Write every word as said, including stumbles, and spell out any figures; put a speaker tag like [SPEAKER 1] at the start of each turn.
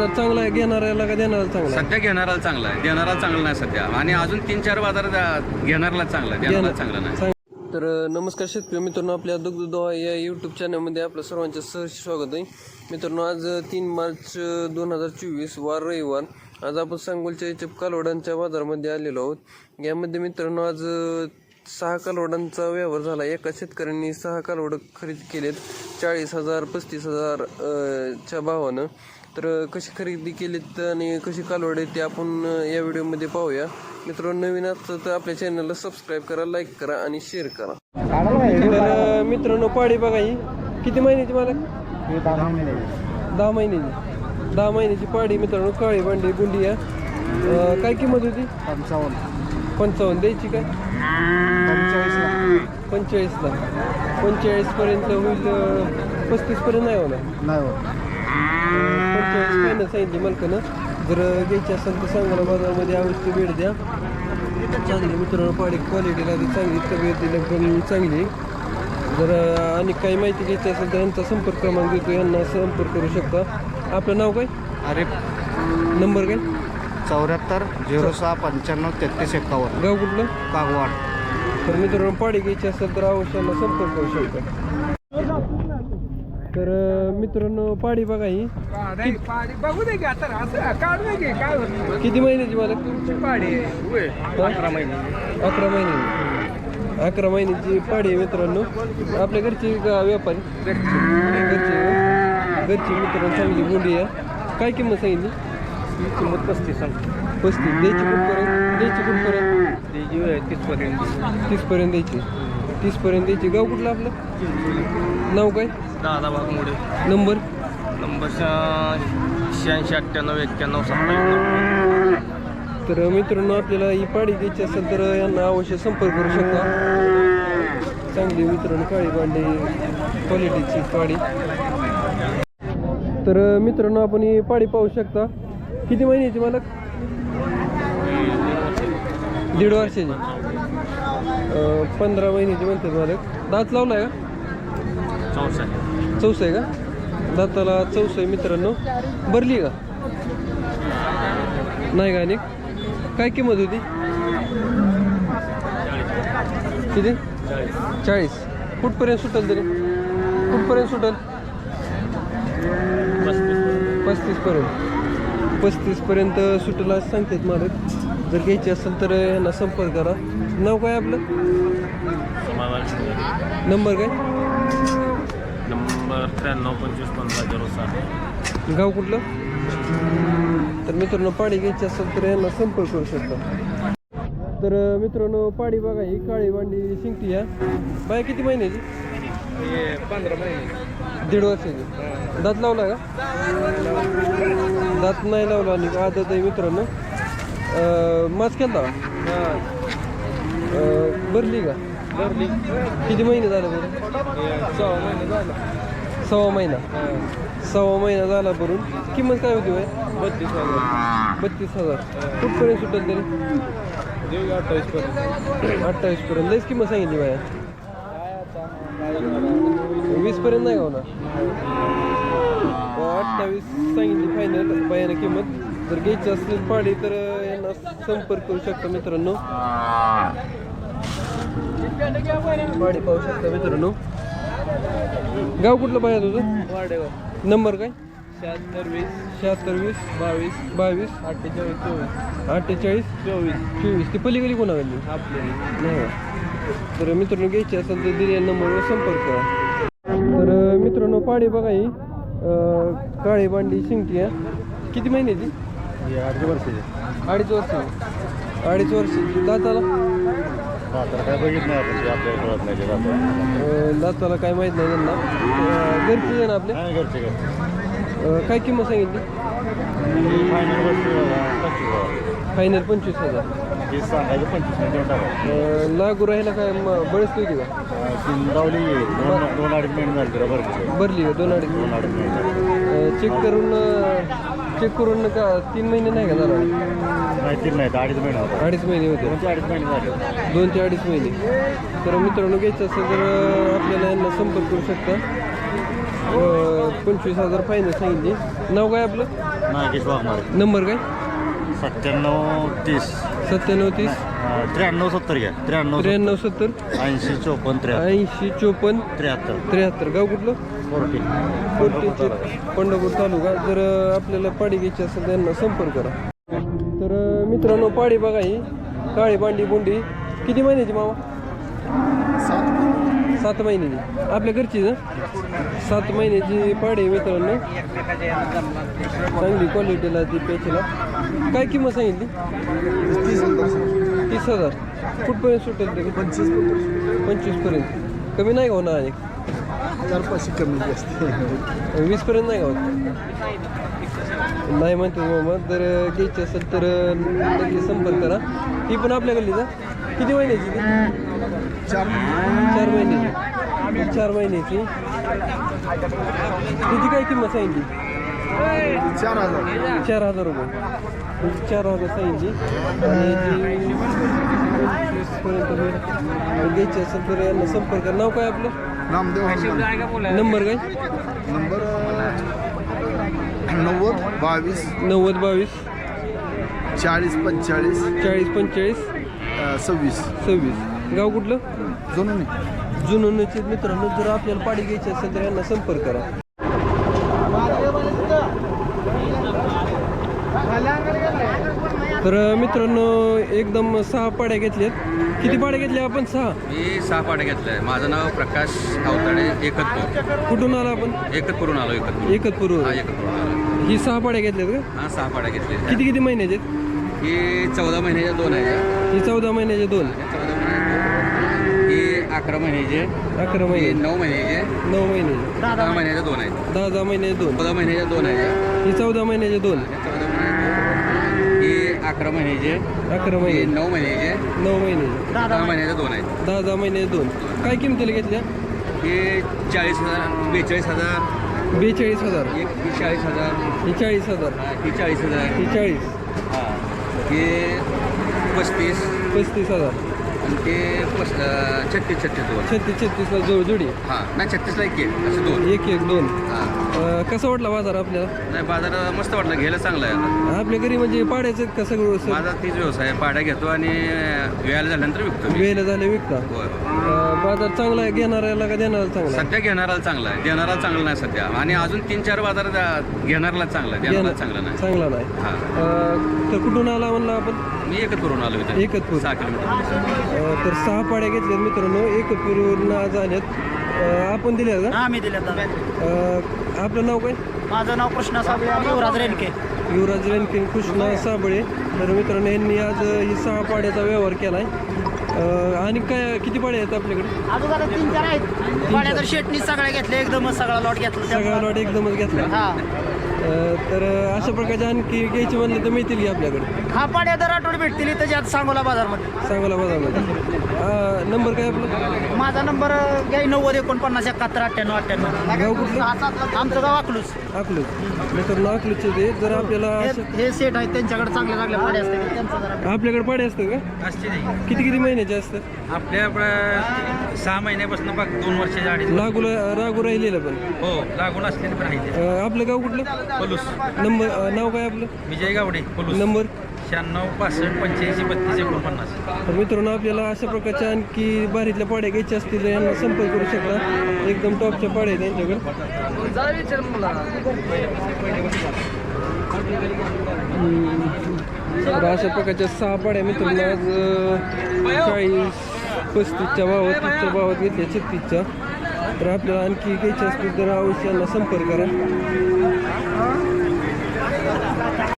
[SPEAKER 1] चांगला आहे घेणाऱ्याला का देणारा चांगला आहे?
[SPEAKER 2] सध्या घेणाराला चांगला आहे, देणारा चांगला नाही सध्या. आणि अजून तीन चार बाजार घेणारला चांगला आहे, देणारा चांगला नाही.
[SPEAKER 1] तर नमस्कार शेतकरी मित्रांनो, आपल्या दुग्धदोहा या यूट्यूब चॅनलमध्ये आपलं सर्वांचं सहर्ष स्वागत आहे. मित्रांनो, आज तीन मार्च दोन हजार चोवीस वार रविवार. आज आपण सांगोलच्या याच्या कालवडांच्या बाजारामध्ये आलेलो आहोत. यामध्ये मित्रांनो आज सहा कालवडांचा व्यवहार झाला. एका शेतकऱ्यांनी सहा कालवड खरेदी केलेत चाळीस हजार पस्तीस हजार च्या भावानं. तर कशी खरेदी केलीत आणि कशी कालवड आहे ते आपण या व्हिडिओमध्ये पाहूया. मित्रांनो, नवीन असतं तर आपल्या चॅनलला सबस्क्राईब करा, लाईक करा आणि शेअर करा. तर मित्रांनो, पाडी बघा, ही किती महिन्याची मला? दहा महिन्याची दहा महिन्याची पाडी मित्रांनो, काळी भांडी गुंडी आहे. काय किंमत होती? पंचावन्न पंचावन्न द्यायची काय? पंचेचाळीसला पंचेचाळीसला पंचेचाळीसपर्यंत होईल. पस्तीसपर्यंत नाही होणार, नाही होत. पंचेचाळीस फायनल सांगितली मालकानं. जर घ्यायची असेल तर सांगोला बाजारामध्ये अवश्य भेट द्या. चांगली मित्रांनो पाडी, क्वालिटीला चांगली, तब्येतीला पण चांगली. जर आणि काही माहिती घ्यायची असेल तर यांचा संपर्क क्रमांक देतो, यांना संपर्क करू शकता. आपलं नाव काय?
[SPEAKER 3] अरे
[SPEAKER 1] नंबर काय? चौऱ्याहत्तर
[SPEAKER 3] झिरो सहा पंच्याण्णव तेहतीस एकावन्न.
[SPEAKER 1] गाव कुठलं?
[SPEAKER 3] कागवाड.
[SPEAKER 1] तर मित्रांनो, पाडी घ्यायची असेल तर अवश्य यांना संपर्क करू शकता. तर मित्रांनो, पाडी बघा, ही
[SPEAKER 4] बघू दे की आता असं काढू दे की काय होतं.
[SPEAKER 1] किती महिन्याची मला?
[SPEAKER 4] पाडी
[SPEAKER 1] अकरा महिने अकरा महिने अकरा महिन्याची पाडी आहे मित्रांनो. आपल्या घरची का व्यापारी? घरची घरची मित्रांनो, चांगली गुंडी आहे. काय किंमत सांगितली?
[SPEAKER 4] किंमत पस्तीस
[SPEAKER 1] पस्तीस द्यायची कुठपर्यंत? द्यायची कुठपर्यंत?
[SPEAKER 4] त्याची तीसपर्यंत
[SPEAKER 1] तीसपर्यंत द्यायची तीसपर्यंत द्यायची. गाव कुठलं आपलं? नाव काय?
[SPEAKER 4] दादा भागमुडे.
[SPEAKER 1] नंबर?
[SPEAKER 4] नंबर शहाऐंशी अठ्ठ्याण्णव एक्क्याण्णव सत्तावीस.
[SPEAKER 1] तर मित्रांनो, आपल्याला ही पाडी घ्यायची असेल तर यांना अवश्य संपर्क करू शकता. चांगली मित्रांनो काळी भांडी क्वालिटीची पाडी. तर मित्रांनो, आपण ही पाडी पाहू शकता. किती महिन्याची मालक? दीड वर्षाची. पंधरा महिन्याची म्हणतात मालक. दात लावला आहे का?
[SPEAKER 4] चौसा
[SPEAKER 1] चौसा आहे का? दाताला चौसा आहे मित्रांनो. भरली का? नाही का? आणि काय किंमत होती? किती? चाळीस. कुठपर्यंत सुटेल तरी? कुठपर्यंत सुटेल? पस्तीसपर्यंत पस्तीसपर्यंत सुटेल असं सांगतात मालक. जर घ्यायची असेल तर यांना संपर्क करा. नाव काय आपलं? नंबर काय?
[SPEAKER 4] नंबर त्र्याण्णव पंचवीस पंधरा झिरो सात.
[SPEAKER 1] गाव कुठलं? तर मित्रांनो, पाडी घ्यायची असेल तर यांना संपर्क करू शकता. तर मित्रांनो, पाडी बघा, ही काळी भांडी शिंगटी आहे. बाय किती महिन्याची?
[SPEAKER 4] पंधरा महिने
[SPEAKER 1] दीड वर्षाची. दात लावला का? दात नाही लावला आणि आदत आहे मित्रांनो. मास केला भरली का?
[SPEAKER 4] भरली.
[SPEAKER 1] किती महिने झाले बरं?
[SPEAKER 4] सहा महिने झाला.
[SPEAKER 1] सव्वा महिना सव्वा महिना झाला भरून. किंमत काय होती बाय?
[SPEAKER 4] बत्तीस हजार
[SPEAKER 1] बत्तीस हजार कुठपर्यंत सुटेल तरी?
[SPEAKER 4] देऊ अठ्ठावीस पर्यंत.
[SPEAKER 1] अठ्ठावीस पर्यंत. लईच किंमत सांगितली बाया. वीस पर्यंत नाही का होणार? अठ्ठावीस सांगितली फायनल बायानं किंमत. जर घ्यायची असेल पाडी तर यांना संपर्क करू शकता मित्रांनो. पाडी पाहू शकता मित्रांनो. गाव कुठलं बाया तुझं?
[SPEAKER 4] वाडेगाव.
[SPEAKER 1] नंबर काय?
[SPEAKER 4] शहात्तर वीस
[SPEAKER 1] शहात्तर वीस
[SPEAKER 4] बावीस
[SPEAKER 1] बावीस
[SPEAKER 4] अठ्ठेचाळीस चोवीस
[SPEAKER 1] अठ्ठेचाळीस
[SPEAKER 4] चोवीस
[SPEAKER 1] चोवीस. ती पलीकडे कोणा गेली?
[SPEAKER 4] आपले
[SPEAKER 1] नाही. तर मित्रांनो, घ्यायची असेल तर दिलेल्या नंबरवर संपर्क करा. तर मित्रांनो, पाडी बघा, ही काळी भांडी शिंगटी आहे. किती महिन्याची?
[SPEAKER 3] अडीच वर्षाचे.
[SPEAKER 1] अडीच वर्षाची अडीच वर्षाची. दाताला?
[SPEAKER 3] काय बघित नाही आपण, आपल्याला कळत नाही ते.
[SPEAKER 1] दाताला काय माहीत नाही त्यांना. घरची आहे ना आपले?
[SPEAKER 3] घरचे काय
[SPEAKER 1] काय किंमत सांगितली? फायनल पंचवीस हजार.
[SPEAKER 3] तीस सांगायचं पंचवीस देऊन टाका.
[SPEAKER 1] लागू राहिला काय बळच होती का?
[SPEAKER 3] लावली दोन दोन अडीच महिने झाले तिला भरली.
[SPEAKER 1] भरली का? दोन अडीच
[SPEAKER 3] दोन अडीच महिने
[SPEAKER 1] चेक करून चेक करून का तीन महिने नाही का झाला?
[SPEAKER 3] नाही, तीन नाही, अडीच महिने होता.
[SPEAKER 1] अडीच महिने होते.
[SPEAKER 3] दोन ते अडीच महिने झाले.
[SPEAKER 1] दोन ते अडीच महिने. तर मित्रांनो, घ्यायचं असेल तर आपल्याला यांना संपर्क करू शकता. अं, पंचवीस हजार फायनल सांगितली. नाव काय आपलं?
[SPEAKER 3] नागेश वाघमारे.
[SPEAKER 1] नंबर काय?
[SPEAKER 3] सत्त्याण्णव तीस
[SPEAKER 1] सत्त्याण्णव तीस
[SPEAKER 3] अं, त्र्याण्णव सत्तर घ्या. त्र्याण्णव
[SPEAKER 1] त्र्याण्णव सत्तर
[SPEAKER 3] ऐंशी चोपन्न त्र्याहत्तर
[SPEAKER 1] ऐंशी चोपन्न
[SPEAKER 3] त्र्याहत्तर
[SPEAKER 1] त्र्याहत्तर. गाव कुठलं?
[SPEAKER 3] फोर्टी
[SPEAKER 1] कोर्टीचे पंढरपूर तालुका. जर अं, आपल्याला पाडी घ्यायची असेल त्यांना संपर्क करा. तर अं, मित्रांनो पाडी बघा ही काळी बांडी बोंडी. किती महिन्याची मामा? सात महिन्याची. आपल्या घरची ना? सात महिन्याची पाडी मित्रांनो. चांगली क्वालिटीला ती पेचीला. काय किंमत सांगितली? तीस हजार. कुठपर्यंत सुटेल ते? पंचवीस पंचवीसपर्यंत. कमी नाही का होणार? आणि
[SPEAKER 3] चार पाचशे कमी जास्त
[SPEAKER 1] वीसपर्यंत नाही का होत? नाही म्हणतो मामा. जर घ्यायची असेल तर नक्की संपर्क करा. ती पण आपल्या गल्लीचा. किती महिन्याची ती?
[SPEAKER 3] चार
[SPEAKER 1] चार महिन्याची. चार महिन्याची. तिची काय किंमत सांगितली?
[SPEAKER 3] चार हजार
[SPEAKER 1] चार हजार रुपये. चार हजार सांगितली. आणि ती पंचवीसपर्यंत होईल. घ्यायची असेल तर यांना संपर्क करा. नाव काय आपलं?
[SPEAKER 3] नामदेव
[SPEAKER 1] नंबर काय?
[SPEAKER 3] नंबर नव्वद बावीस
[SPEAKER 1] नव्वद बावीस
[SPEAKER 3] चाळीस पंचेचाळीस
[SPEAKER 1] चाळीस पंचेचाळीस
[SPEAKER 3] सव्वीस
[SPEAKER 1] सव्वीस. गाव कुठलं?
[SPEAKER 3] जुनं
[SPEAKER 1] जुनोनचे मित्रांनो. जर आपल्याला पाडी घ्यायची असेल तर यांना संपर्क करा. तर मित्रांनो एकदम सहा पाड्या घेतल्यात. किती पाड्या घेतल्या आपण? सहा.
[SPEAKER 2] मी सहा पाड्या घेतल्या. माझं नाव प्रकाश अवताडे, एकतपूर.
[SPEAKER 1] कुठून आला आपण?
[SPEAKER 2] एकतपूरून आलो. एकतपूर.
[SPEAKER 1] एकतपूर.
[SPEAKER 2] हा, एकतपूरून आलो.
[SPEAKER 1] ही सहा पाड्या घेतल्यात का?
[SPEAKER 2] हा, सहा पाड्या घेतल्या.
[SPEAKER 1] किती किती महिन्याचे?
[SPEAKER 2] ही चौदा महिन्याच्या दोन आहे.
[SPEAKER 1] ही चौदा महिन्याचे दोन.
[SPEAKER 2] चौदा महिन्याचे ही अकरा महिन्याचे.
[SPEAKER 1] अकरा
[SPEAKER 2] ही
[SPEAKER 1] महिने.
[SPEAKER 2] नऊ महिन्याचे.
[SPEAKER 1] नऊ महिने.
[SPEAKER 2] दहा महिन्याच्या दोन आहेत.
[SPEAKER 1] दहा दहा महिन्याचे दोन.
[SPEAKER 2] चौदा महिन्याच्या दोन आहे.
[SPEAKER 1] ही चौदा महिन्याचे दोन.
[SPEAKER 2] चौदा महिन्याचे ही अकरा महिन्याचे.
[SPEAKER 1] अकरा
[SPEAKER 2] ही
[SPEAKER 1] महिने.
[SPEAKER 2] नऊ महिन्याचे.
[SPEAKER 1] नऊ महिने.
[SPEAKER 2] दहा महिन्याच्या दोन आहेत.
[SPEAKER 1] दहा दहा महिने दोन. काय किमतीला घेतल्या?
[SPEAKER 2] हे चाळीस हजार, बेचाळीस हजार,
[SPEAKER 1] बेचाळीस हजार.
[SPEAKER 2] एक ही चाळीस हजार,
[SPEAKER 1] ही चाळीस हजार.
[SPEAKER 2] हा, ही चाळीस हजार,
[SPEAKER 1] ही चाळीस.
[SPEAKER 2] हा, हे पस्तीस
[SPEAKER 1] पस्तीस हजार.
[SPEAKER 2] आणि ते पस अं, छत्तीस छत्तीस दोन.
[SPEAKER 1] छत्तीस छत्तीसला जोड जोडी.
[SPEAKER 2] हा, नाही छत्तीसला एक एक असं दोन.
[SPEAKER 1] एक एक दोन.
[SPEAKER 2] हा,
[SPEAKER 1] अं, कसा वाटला बाजार आपल्याला?
[SPEAKER 2] नाही बाजार मस्त वाटलं, घ्यायला चांगला आहे आता.
[SPEAKER 1] आपल्या घरी म्हणजे पाड्याचं का सगळं स-
[SPEAKER 2] माझा तीच व्यवसाय आहे. पाड्या घेतो आणि वेळाला झाल्यानंतर विकतो मी.
[SPEAKER 1] वेळेला झाले विकता.
[SPEAKER 2] होय.
[SPEAKER 1] अं, बाजार चांगला आहे घेणाऱ्याला का देणारा चांगला आहे?
[SPEAKER 2] सध्या घेणाराला चांगला आहे, देणारा चांगला नाही सध्या. आणि अजून तीन चार बाजार द्या- घेणाराला चांगला आहे, देणारा चांगला नाही.
[SPEAKER 1] चांगला नाही.
[SPEAKER 2] हा,
[SPEAKER 1] अं, तर कुठून आला म्हणला आपण?
[SPEAKER 2] मी एकच करून आलो इथे.
[SPEAKER 1] एकतपूर.
[SPEAKER 2] सहा किलोमीटर.
[SPEAKER 1] अं, तर सहा पाड्या घेतल्यात मित्रांनो. एकतपूरवरून आज आल्यात. अं, आपण दिल्या का?
[SPEAKER 5] हा मी दिले
[SPEAKER 1] अं, आपलं नाव काय?
[SPEAKER 5] माझं नाव कृष्णा साबळे आणि युवराज रेणके.
[SPEAKER 1] युवराज रणकिन कृष्णा साबळे. तर मित्रांनो यांनी आज ही सहा पाड्याचा व्यवहार केला आहे. आणि काय किती पाड्या आहेत आपल्याकडे?
[SPEAKER 5] अजून आता तीन चार आहेत पाड्या तर शेटनी सगळ्या घेतल्या, एकदमच सगळा लॉट घेतला
[SPEAKER 1] सगळा लॉट एकदमच घेतला.
[SPEAKER 5] हा
[SPEAKER 1] अं, तर अशा प्रकारचे आणखी घ्यायचे म्हणले तर मिळतील की आपल्याकडे?
[SPEAKER 5] हा पाड्या दर आठवडे भेटतील इथं ज्यात सांगोला बाजारमध्ये.
[SPEAKER 1] सांगोला बाजारमध्ये. अं, नंबर काय आपला?
[SPEAKER 5] माझा नंबर घ्याय नव्वद एकोणपन्नास एकाहत्तर अठ्ठ्याण्णव अठ्ठ्याण्णव.
[SPEAKER 1] गाव कुठलं?
[SPEAKER 5] आमचं गाव अकलूज.
[SPEAKER 1] अकलूज. मित्रांनो अकलूजचे ते जर आपल्याला
[SPEAKER 5] हे-
[SPEAKER 1] अशा-
[SPEAKER 5] हे सेट आहेत त्यांच्याकडे चांगल्या चांगल्या पाड्या असतात त्यांचं जरा
[SPEAKER 1] आपल्याकडे पाड्या असतात का?
[SPEAKER 6] असते नाही.
[SPEAKER 1] किती किती महिन्याचे असतात?
[SPEAKER 6] आपल्या आपल्या सहा महिन्यापासून बघ दोन वर्षाच्या अडीच.
[SPEAKER 1] लागू लागू राहिलेलं पण.
[SPEAKER 6] हो, लागून असलेले पण आहे ते.
[SPEAKER 1] अं, आपलं गाव कुठलं?
[SPEAKER 6] पलूस.
[SPEAKER 1] नंबर अं, नाव काय आपलं?
[SPEAKER 6] विजय गावडे पलूस.
[SPEAKER 1] नंबर?
[SPEAKER 6] शहाण्णव पासष्ट पंच्याऐंशी बत्तीस एकोणपन्नास.
[SPEAKER 1] तर मित्रांनो आपल्याला अशा प्रकारच्या आणखी बारीतल्या पाड्या घ्यायच्या असतील तर यांना संपर्क करू शकता. एकदम टॉपच्या पाड्या आहेत त्यांच्याकडे. हम्म. तर अशा प्रकारच्या सहा पाड्या मित्रांनो आज अं, चाळीस पस्तीसच्या भावात तीसच्या भावात घेतल्या छत्तीसच्या. तर आपल्याला आणखी घ्यायच्या असतील तर अवश्य यांना संपर्क करा.